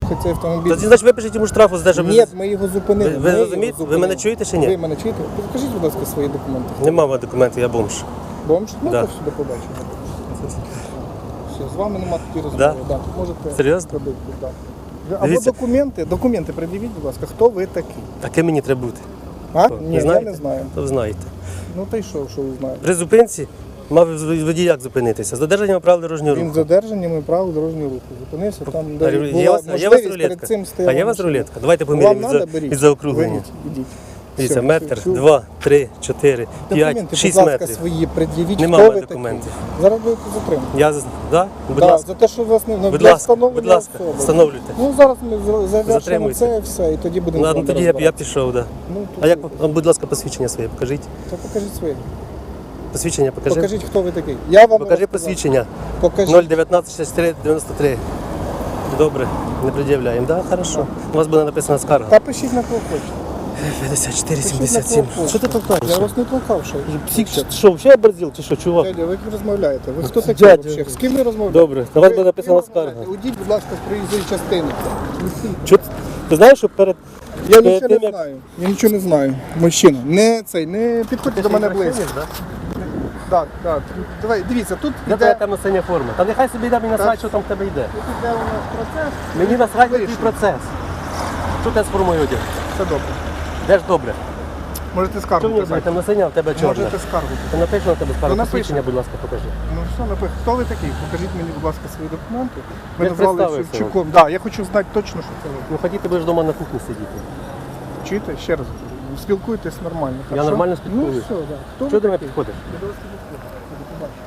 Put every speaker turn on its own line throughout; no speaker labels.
їхати цей автомобіль.
Тоді, значить, випишіть йому штрафу за те, що
Ні, ми його зупинили.
Ви розумієте? Ви мене чуєте чи ні?
Ви мене чуєте? Покажіть, будь ласка, свої документи.
Нема в мене документів, я бомж.
Бомж? Ну,
Да.
то сюди побачимо. Все, з вами нема такі розмови. Да? Тут можете
Серйозно?
робити. Да. Або
Дивіться.
документи пред'явіть, будь ласка, хто ви такий?
Таке мені треба бути.
А?
Ви
Ні, я
знаєте?
не знаю.
То ви знаєте.
Ну та й що ви знаєте?
При зупинці мав водій як зупинитися? З додержанням правил дорожнього
Він
руху.
з додержанням правил дорожнього руху. Зупинився там,
А
де
є
була
у вас
можливість перед
рулетка?
цим
А
стояла
є у вас
машина.
рулетка? Давайте
Вам
поміряємо
треба, беріть.
від заокруглення.
Вийдіть, ідіть.
Дивіться,
Все,
метр,
все.
2, 3, 4, 5,
Документи,
6
будь ласка,
метрів.
свої пред'явіть,
Нема
хто
в
ви
мене
такий.
документів.
Зараз будете затримані.
Я, да? Будь
Да,
ласка.
за те, що вас не
Будь
для
ласка,
встановлення
будь ласка,
особи.
встановлюйте.
Ну зараз ми завершимо
Затримуйте.
це і все, і тоді будемо.
Ну,
з вами
тоді я
розбиратися.
пішов, да.
Ну,
А як, будь ласка, посвідчення своє покажіть.
То покажіть своє.
Посвідчення покажи.
Покажіть, хто ви такий. Я вам
Покажи
розказав.
посвідчення.
Покажіть.
019 63 93. Добре, не пред'являємо. Да, хорошо. У вас буде написана скарга.
Та пишіть на кого хочете.
54
Пишіть на
77.
кого
Що ти
хочете.
толкаєш?
Я вас не толкав, що.
Псих, що, взагалі оборзів чи що, чувак?
Дядя, ви розмовляєте? Ви хто такий
Дядя.
взагалі? З ким ви розмовляєте?
Добре, на вас
Ви-
буде написана
ви
скарга.
розмовляєте? Уйдіть, будь ласка, з проїзної частини.
Ти знаєш, що перед...
Я
перед
нічого
тим,
не
як-
знаю. Я нічого не знаю. Мужчина, не підходьте до мене близько. Так, так. Давай, дивіться, тут
Де твоя
іде
темно-синя форма? Та нехай собі йде, мені насрать, що там в тебе йде.
тут іде у нас процес.
Мені насрать на твій
Вийшли.
процес. Що ти з формою одяг?
Все добре.
Де ж добре?
Можете
Що
скаргу
мені
писати.
темно-синя, а в тебе чорна?
Можете скаргу.
Ти напиши на тебе скаргу,
Ну, напишу.
посвідчення, будь ласка, покажи.
Ну що, напишіть, хто ви такий? Покажіть мені, будь ласка, свої документи.
Ви
Ви назвали
представився
Шевчуком. Так, я хочу знати точно, що це ви.
Ну ході, ти будеш вдома на кухні сидіти.
Чуєте? Ще раз. Спілкуйтесь нормально.
Я
хорошо?
нормально спілкуюсь.
Ну все, так. Хто
Чого
ви
до мене
такий?
підходиш?
Я до вас не підходжу. До побачення.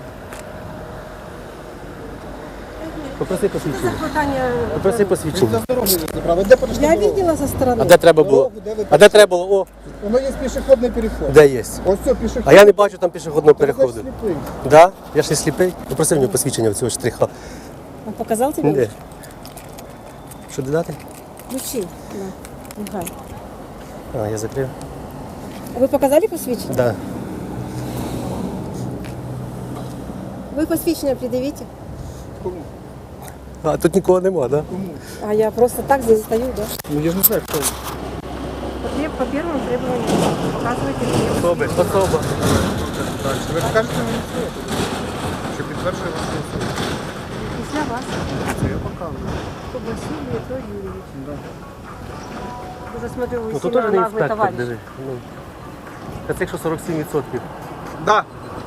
Попроси посвідчення.
Питання.
Попроси
Він
посвідчення.
за дорогою забрав. Де перейшли
Я
дорогу?
видела со стороны.
А де треба було?
Дорогу, де ви
А де треба було? О,
Воно є пішохідний переход.
де є?
Ось це пішохідний.
А я не бачу там пішохідного
Ти, значить,
переходу.
сліпий.
Да? Я ж не сліпий. Попроси мені посвідчення в цього штриха.
Он показал тебе?
Де? Що додати?
Ключи. На. Михай.
А, я закрив.
Вы показали посвящение?
Да.
Вы посвящение предъявите?
Кому?
А тут нікого нема, да?
Кому?
А я просто так здесь стою, да?
Ну я ж не знаю, хто ви.
По первому требованию показывайте мне.
Особи. Особа.
Ви покажете мені своє, що підтверджує вашу особу.
Після вас.
Це я показую.
То Василий, то Юрьевич.
Да.
Уже смотрю, вы
Ну тут
сильно
теж не
наглый
інспектор,
товарищ.
диви. Ну. Та це якщо 47%.
Да.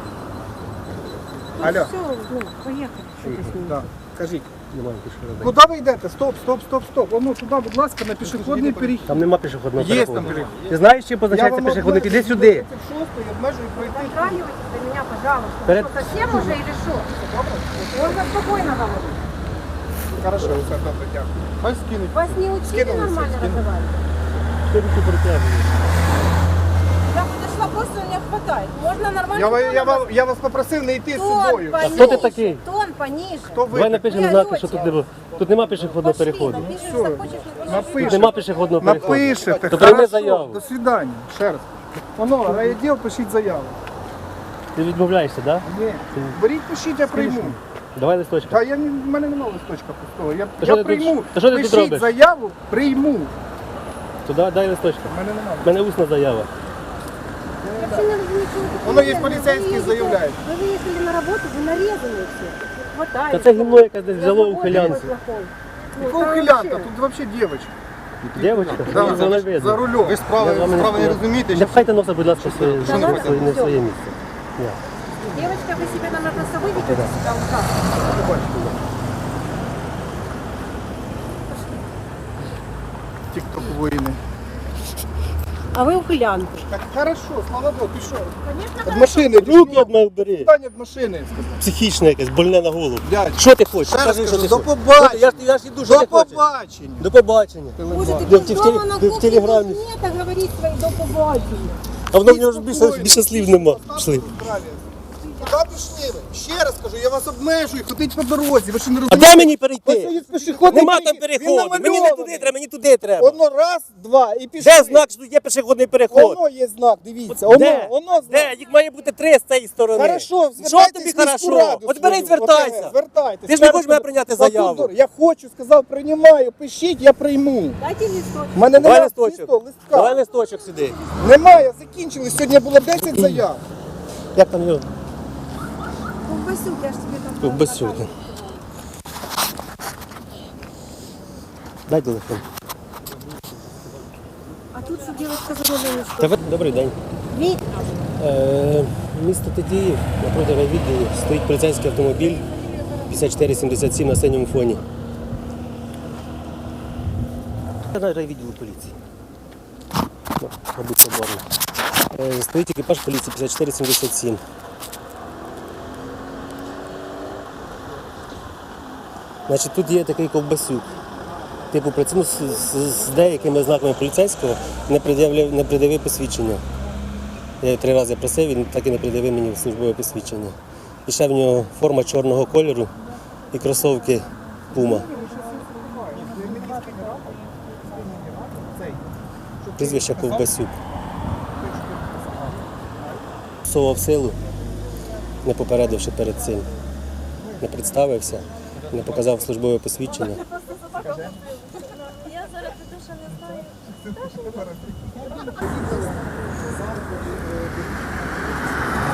Ну,
Алло.
все, ну, поехали. Что ты с ним?
Да. Кажіть.
Немає пішохідного.
Куди ви йдете? Стоп, стоп, стоп, стоп. Воно туди, будь ласка, на пішохідний перехід.
Там нема пішохідного
Є
переходу.
там перехід.
Ти знаєш, чим позначається пішохідний? Іди сюди.
36-й обмежує пройти.
Дотрагивайтесь до меня, пожалуйста.
Перед-
Что, совсем уже или что? Можно спокойно говорить.
Хорошо, все добре, дякую. Хай скинуть.
Вас не учили
Скинули,
нормально
скинули.
разговаривать?
Що ти притягуєш?
Я подошла, просто не хватает. Можно нормально
Я вас попросив не йти з
Тон
собою.
пониже.
хто ти такий?
Тон пониже.
Хто ви?
Давай напишемо знаки, що тут нема. Тут нема пішохідного
Пошли,
переходу.
напиши, что хочешь, не хочешь.
Тут
Напишете.
нема пішохідного переходу.
Напишете.
То прийми
Хорошо.
заяву.
До свидання. Ще раз. Воно, райвідділ, пишіть заяву.
Ти відмовляєшся, так?
Ні. Беріть, пишіть, я прийму.
Давай листочка.
Та в мене немає листочка пустого.
Та що
Я
ти тут-
прийму.
та що ти тут
Пишіть
робиш?
заяву, прийму.
Туди дай листочка.
У мене немає.
У мене усна заява.
Я вообще не разумею, что вы
Воно є
такое.
поліцейські,
Вы едете-
заявляють.
Вы выехали на работу, вы нарезаны все. Хватает.
Та це гімно якесь десь взяло у хилянці.
Якого хилянта? Тут взагалі дівчинка.
Дівчинка?
Да,
Мені це не видно.
за рулем. Ви
Я вам не розумієте? Не пхайте носа, будь ласка, в своє
Що не пхайте?
не в своє місце. Ні.
Девочка, вы себя, наверное, просто выведете себя ужасно.
Тік-ток воїни.
А вы ухылянка.
Так хорошо, слава Богу, ти що?
Конечно,
Від машини,
Руки від мене бери.
Встань від машини.
Психічне якесь, больне на голову.
Дядь,
Що ти хочеш?
ще раз
Скажи, що
кажу,
ти
до
хочеш.
побачення.
Я ж іду, що
До
ти хочеш.
побачення.
До побачення.
Боже, ты
Да,
тут
в
дома на
теле- в
кухне
телеграмме.
должны так говорить свои до побачення.
А воно в нього ж більше слів нема. Пішли.
Куди пішли ви? Ще раз кажу, я вас обмежую, ходіть по дорозі, ви що не
А
розумієте?
де мені
Ось
перейти?
є пішохідний
Нема там
перехід, він
переходу. Мені не
намальований.
туди треба, мені туди треба.
Воно раз, два і пішли.
Де знак, що тут є пішохідний переход?
Воно є знак, дивіться.
Де?
Воно знак.
Де? Їх має бути 3 з цієї сторони.
Хорошо,
Що
звертайтесь
тобі
в міську
хорошо?
раду
От бери і
свою,
звертайся.
ОТГ, звертайтесь.
Ти ж не
Ще
хочеш
раз
мене
кажу,
прийняти
отут
заяву?
дор- Я хочу, сказав, приймаю, пишіть, я прийму.
Дайте листочек.
У мене
Давай
немає
листочок.
листка.
Давай листочок сюди.
Немає, закінчили. Сьогодні було 10 заяв.
Як там його?
Ковбасюк, я ж тебе там...
Ковбасюк. Дай телефон.
А тут что девочка за
Та ви- Добрий день. Місто Тетіїв, напроти райвідділу, стоїть поліцейський автомобіль 5477 на синьому фоні. Це райвідділу поліції. Ну, мабуть, соборно. Стоїть екіпаж поліції 5477. Значить, тут є такий ковбасюк. Типу, працює з деякими знаками поліцейського, не пред'явив посвідчення. Я його 3 рази просив, він так і не придивив мені службове посвідчення. І ще в нього форма чорного кольору і кросовки Puma. Прізвище Ковбасюк. Всував силу, не попередивши перед цим. Не представився, не показав службове посвідчення.
Я зараз піду, що не знаю.